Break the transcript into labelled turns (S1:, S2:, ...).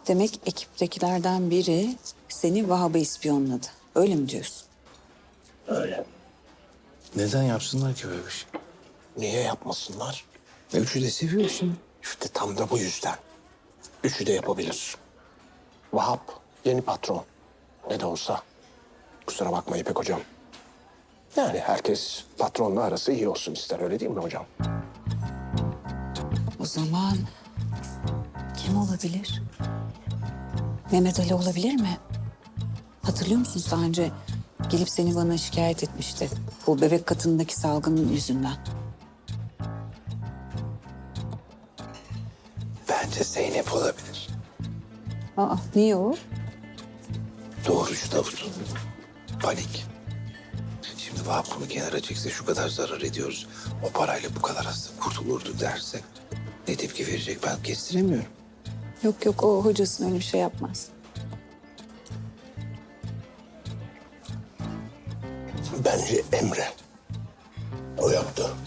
S1: Demek ekiptekilerden biri seni Vahap'a ispiyonladı. Öyle mi diyorsun?
S2: Öyle.
S3: Neden yapsınlar ki böyle bir şey?
S2: Niye yapmasınlar?
S3: Üçü de seviyor şimdi.
S2: İşte tam da bu yüzden. Üçü de yapabilir. Vahap yeni patron. Ne de olsa. Kusura bakma İpek hocam. Yani herkes patronla arası iyi olsun ister, öyle değil mi hocam?
S1: O zaman kim olabilir? Mehmet Ali olabilir mi? Hatırlıyor musunuz daha önce gelip seni bana şikayet etmişti. Bu bebek katındaki salgının yüzünden.
S3: Bence Zeynep olabilir.
S1: Aa, niye o?
S3: Doğrucu Davut. Panik. Şimdi Vahap bunu kenara çekse şu kadar zarar ediyoruz. O parayla bu kadar hasta kurtulurdu derse ne tepki verecek ben kestiremiyorum.
S1: Yok yok, o hocasının öyle bir şey yapmaz.
S2: Bence Emre. O yaptı.